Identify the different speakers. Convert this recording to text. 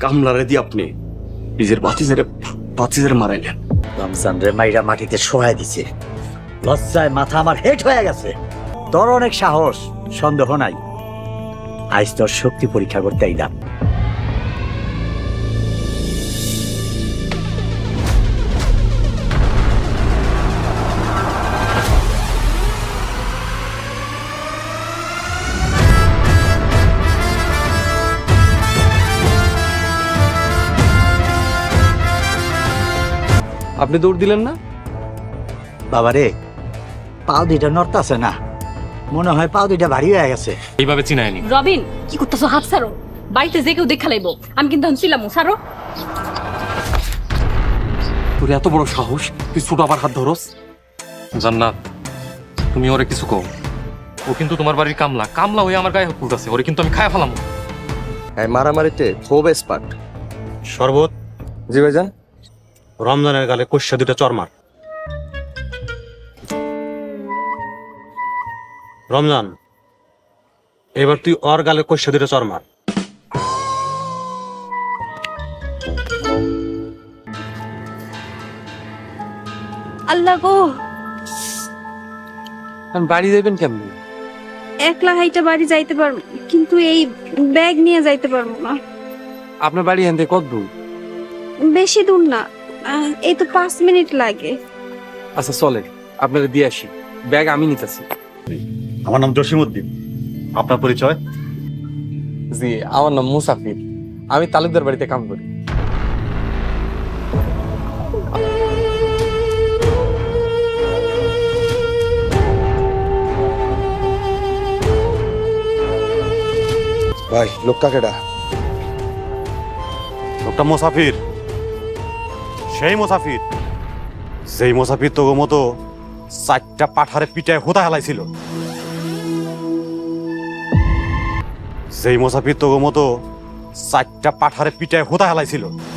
Speaker 1: কামলারে দিয়ে আপনি নিজের বাতিজের মারাইলেন।
Speaker 2: রমজান রে মাইরা মাটিতে শোয়াই দিছে, লজ্জায় মাথা আমার হেট হয়ে গেছে। তোর অনেক সাহস, সন্দেহ নাই। আজ তোর শক্তি পরীক্ষা করতে আইলাম।
Speaker 1: আপনি দৌড় দিলেন না?
Speaker 2: বাবারে, পাও দুইটা নড়তাছে না, মনে হয় পাও দুইটা ভারী হয়ে গেছে।
Speaker 3: এইভাবে চিনায়নি।
Speaker 4: রবিন, কি করতেছো? হাত ছাড়ো। বাড়িতে যে কেউ দেখা লাইব। আমি কিন্তু ছিলাম, ছাড়ো।
Speaker 3: তোর এত বড় সাহস, তুই ছোট আবার হাত ধরস? জান্নাত, তুমি ওরে কিছু কও। ও কিন্তু তোমার বাড়ির কামলা, কামলা হয়ে আমার গায়ে হাত তুলতেছে। ওরে কিন্তু আমি খায় ফেলাম।
Speaker 1: এই মারামারিতে খুব এক্সপার্ট।
Speaker 5: শরবত।
Speaker 1: জি ভাইজান।
Speaker 5: রমজানের গালে কষা দুটা চরমার। রমজান, এবার তুই ওর গালে কষা দুটা চরমার।
Speaker 6: আল্লাহ গো,
Speaker 3: বাড়ি যাবেন কেমনি?
Speaker 6: একলা হাইটা বাড়ি যাইতে পারবো, কিন্তু এই ব্যাগ নিয়ে যাইতে পারবো না।
Speaker 3: আপনার বাড়ি এখান থেকে কত দূর?
Speaker 6: বেশি দূর না, এই তো 5 মিনিট লাগে।
Speaker 3: আচ্ছা চলে, আপনারা দিয়ে আসি। ব্যাগ আমি নিতেছি।
Speaker 5: আমার নাম জসিমউদ্দিন। আপনার পরিচয়?
Speaker 3: জি, আমার নাম মুসাফির। আমি তালুকদার বাড়িতে কাম করি।
Speaker 1: ভাই লোকটা কেডা?
Speaker 5: লোকটা মুসাফির, সেই মুসাফির যেই মুসাফির তো মতো 4টা পাঠারে পিটায় হোতা হেলাইছিল। যেই মুসাফির তো মতো 4টা পাঠারে পিটায় হোতা হেলাইছিল।